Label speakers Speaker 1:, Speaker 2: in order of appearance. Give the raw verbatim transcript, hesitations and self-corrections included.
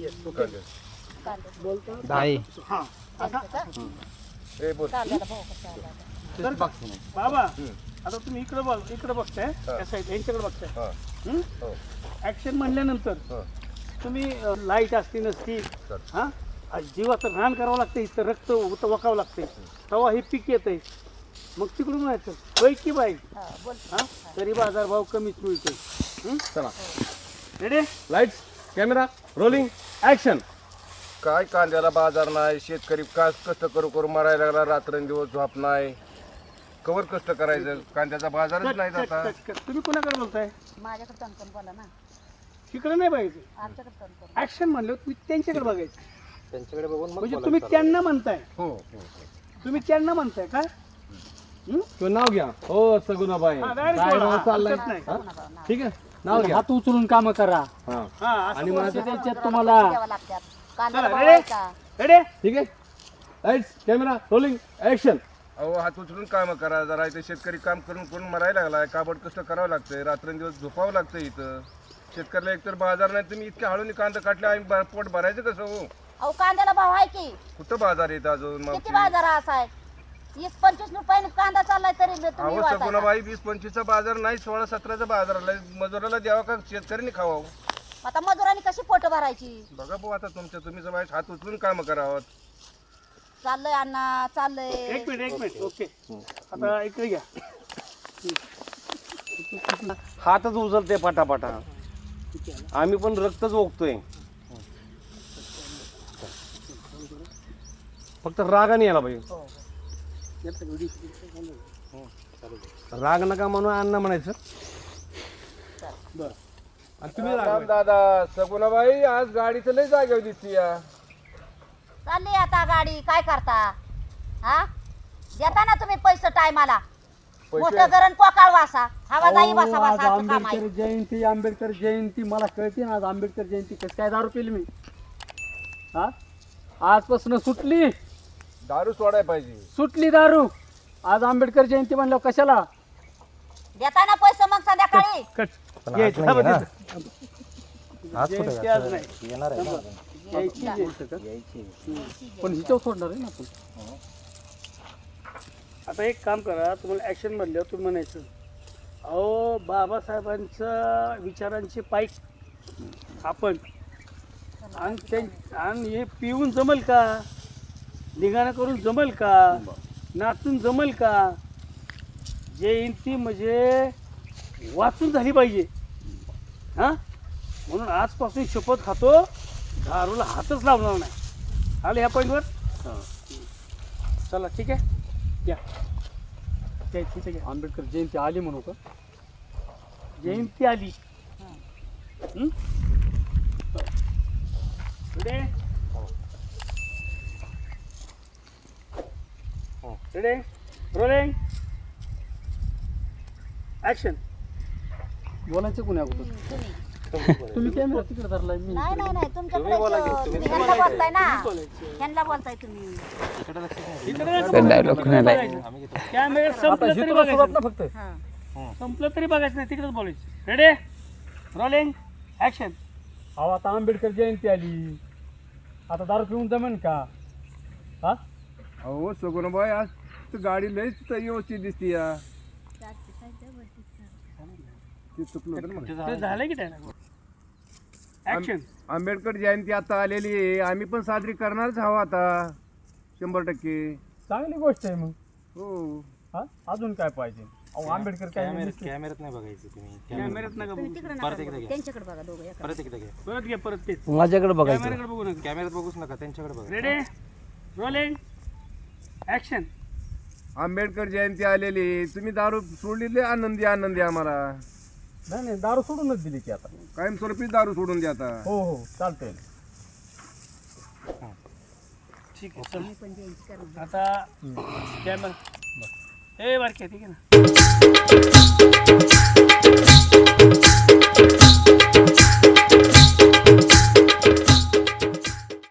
Speaker 1: Yes okay बोलतो
Speaker 2: दाई
Speaker 1: हां आता
Speaker 3: ए बोल
Speaker 1: तर बाबा आता तुम्ही इकडे बघ इकडे बघताय त्या साईड यांच्याकडे बघताय ऍक्शन म्हणल्यानंतर तुम्ही लाईट असती नसती हा जीवाचं रान करावं लागतं इथं रक्त वकावं लागतंय तेव्हा हे पीक येतंय मग तिकडून म्हणायचं होय की बाई हा तरी बाजार भाव कमीच मिळतोय
Speaker 4: चला
Speaker 1: ready
Speaker 4: lights camera rolling action.
Speaker 3: काय कांद्याला बाजार नाही, शेतकरी काय कष्ट करू करू मरायला लागला, रात्रंदिवस झोप नाही, कवर कष्ट करायचं, कांद्याचा बाजारच नाही आता.
Speaker 1: तुम्ही कोणाकडे बोलताय?
Speaker 5: माझ्याकडे तणकण बोला ना.
Speaker 1: तिकडे नाही बघायचं,
Speaker 5: आमच्याकडे तणकण.
Speaker 1: ऍक्शन म्हणलं तुम्ही त्यांच्याकडे बघायचं.
Speaker 2: त्यांच्याकडे बघून
Speaker 1: म्हणजे तुम्ही त्यांना म्हणताय,
Speaker 3: हो
Speaker 1: तुम्ही त्यांना म्हणताय का?
Speaker 4: तो नाव घ्या. हो सगुणाबाई
Speaker 1: हा,
Speaker 4: काय
Speaker 1: direct बोला,
Speaker 4: नाव चाललंय
Speaker 1: हरकत नाही.
Speaker 4: हा? ठीक आहे नाव घ्या.
Speaker 2: हात उचलून काम करा
Speaker 4: हा
Speaker 1: हा असं
Speaker 4: आणि
Speaker 1: बोलायचं.
Speaker 4: माझं
Speaker 2: त्याच्यात तुम्हाला
Speaker 5: द्यावं लागतात. कांद्याला
Speaker 1: चला,
Speaker 5: भाव
Speaker 1: ready?
Speaker 5: आहे का?
Speaker 1: रेडी
Speaker 4: ठीक आहे लाईट्स कॅमेरा रोलिंग ऍक्शन.
Speaker 3: अहो हात उचलून काम करा जरा. इथे शेतकरी काम करून करून मरायला लागलाय, काबड कष्ट करावं लागतंय, रात्रंदिवस झोपावं लागतंय. इथं शेतकऱ्याला एकतर बाजार नाही, तुम्ही इतके हळून कांदा काटले, आम्ही बा- पोट भरायचं कसं हो?
Speaker 5: अहो कांद्याला भाव आहे की
Speaker 3: कुठं बाजार येत अजून
Speaker 5: किती
Speaker 3: मावशी?
Speaker 5: बाजार असा आहे? वीस पंचवीस रुपयाने कांदा चाललाय तरी तुम्ही
Speaker 3: अहो
Speaker 5: वाळताय का?
Speaker 3: सगुणाबाई वीस पंचवीसचा बाजार नाही, सोळा सतराचा बाजार आलाय. मजुराला द्यावा का शेतकऱ्यांनी खावावं?
Speaker 5: आता मजुरांनी कशी पोट भरायची?
Speaker 3: बघा भाऊ आता तुमच्या तुम्ही सगळे हात उचलून काम करावं.
Speaker 5: चाललंय अण्णा चाललंय.
Speaker 1: एक मिनिट एक मिनिट ओके आता इकडे घ्या.
Speaker 4: हातच उचलते पटापटा, आम्ही पण रक्तच ओकतोय. फक्त रागाने यायला पाहिजे. राग नका म्हणून अण्णा म्हणायचं.
Speaker 1: बरं
Speaker 4: आणि तुम्ही
Speaker 3: राम
Speaker 4: राग
Speaker 3: दादा सगुणाबाई आज गाडीचं लय जागेवर दिसती या.
Speaker 5: चालली आता गाडी काय करता? हा देता ना तुम्ही पैसे टायमाला. मोठं गरण कोकाळ वासा हवा जाई बसा
Speaker 2: अहो, आज
Speaker 5: बसा असं काम आहे.
Speaker 2: आंबेडकर जयंती आंबेडकर जयंती मला कळते ना. आज आंबेडकर जयंती कसं काय दारू पिली मी? हा आजपासून सुटली
Speaker 3: दारू सोडाय पाहिजे.
Speaker 2: सुटली दारू. आज आंबेडकर जयंती म्हणल्यावर कशाला
Speaker 5: देता ना पैसे मग संध्याकाळी.
Speaker 1: कट
Speaker 2: पण
Speaker 1: घ्यायचं.
Speaker 2: आज
Speaker 1: हा,
Speaker 2: नाही
Speaker 1: बघ
Speaker 2: ना.
Speaker 1: तिथं.
Speaker 2: आज कुठे
Speaker 1: जयंती आज नाही.
Speaker 2: येणार आहे ना
Speaker 1: यायची जयंती.
Speaker 2: पण हिच्यावर सोडणार आहे ना आपण.
Speaker 1: आता एक काम करा, तुम्हाला ऍक्शन म्हणल्यावर तुम्ही म्हणायचं अहो बाबासाहेबांच्या विचारांचे पाईक आपण आणि त्यां आणि हे पिऊन जमल का? निघाणं करून जमल का? नाचून जमल का? जयंती म्हणजे वाचून झाली पाहिजे. हां म्हणून आजपासून शपथ खातो दारूला हातच लावणार नाही. आलं ह्या पॉईंटवर? चला ठीक आहे घ्या घ्या तिथे घ्या.
Speaker 2: आंबेडकर जयंती आली म्हणू का?
Speaker 1: जयंती आली. हं? Ready ready rolling action.
Speaker 2: बोलायचं कोणी अगोदर?
Speaker 5: तुम्ही
Speaker 2: तुम्ही कॅमेरा तिकडे धरलाय मी
Speaker 5: नाही नाही नाही तुमच्याकडे
Speaker 2: बोला की,
Speaker 5: तुम्ही
Speaker 2: तुम्ही
Speaker 5: ह्यांना बोलताय ना.
Speaker 1: बोलायचं.
Speaker 5: ह्यांना बोलताय तुम्ही.
Speaker 1: कॅमेरा
Speaker 2: आता
Speaker 1: संपलं
Speaker 2: हे
Speaker 1: तरी
Speaker 2: तुला सुरुवात
Speaker 1: बघायचं
Speaker 2: ना फक्त.
Speaker 5: हां.
Speaker 1: संपलं तरी बघायचं नाही, तिकडेच बोलायचं. Ready rolling action.
Speaker 2: अहो आता आंबेडकर जयंती आली, आता दारू पिऊन जमेन का? हा
Speaker 3: अहो सगुणाबाई आज तर गाडी लयच व्यवस्थित दिसती या. ते चुकलं होतं ना मला.
Speaker 1: ते झालं की त्याला ऍक्शन.
Speaker 3: आंबेडकर जयंती आता आलेली आहे, आम्ही पण साजरी करणारच हवा आता शंभर टक्के.
Speaker 2: चांगली गोष्ट आहे मग.
Speaker 3: हो
Speaker 2: हा अजून काय पाहिजे? अहो आंबेडकर काय
Speaker 6: कॅमेऱ्यात नाही बघायचं तुम्ही.
Speaker 1: कॅमेऱ्यात नका बघू.
Speaker 5: तुम्ही तिकडे नका बघू. त्यांच्याकडे बघा दोघं एका.
Speaker 6: परत एकदा घ्या.
Speaker 1: परत घ्या परत तेच
Speaker 2: माझ्याकडे बघायचं.
Speaker 1: कॅमेराकडे बघू नका.
Speaker 6: कॅमेऱ्यात बघूच नका, त्यांच्याकडे बघा.
Speaker 1: Ready rolling action.
Speaker 3: Ambedkar Jayanti आलेली आहे, तुम्ही दारू सोडली लय आनंदी आनंदी आम्हाला.
Speaker 2: नाही नाही दारू सोडूनच दिली की आता.
Speaker 3: कायमस्वरूपी दारू सोडून द्या आता.
Speaker 2: हो हो चालतंय.
Speaker 1: ठीक आहे चल.
Speaker 5: पण जयंती करणार.
Speaker 1: आता कॅमेरा ए बारक्या ठीक आहे ना.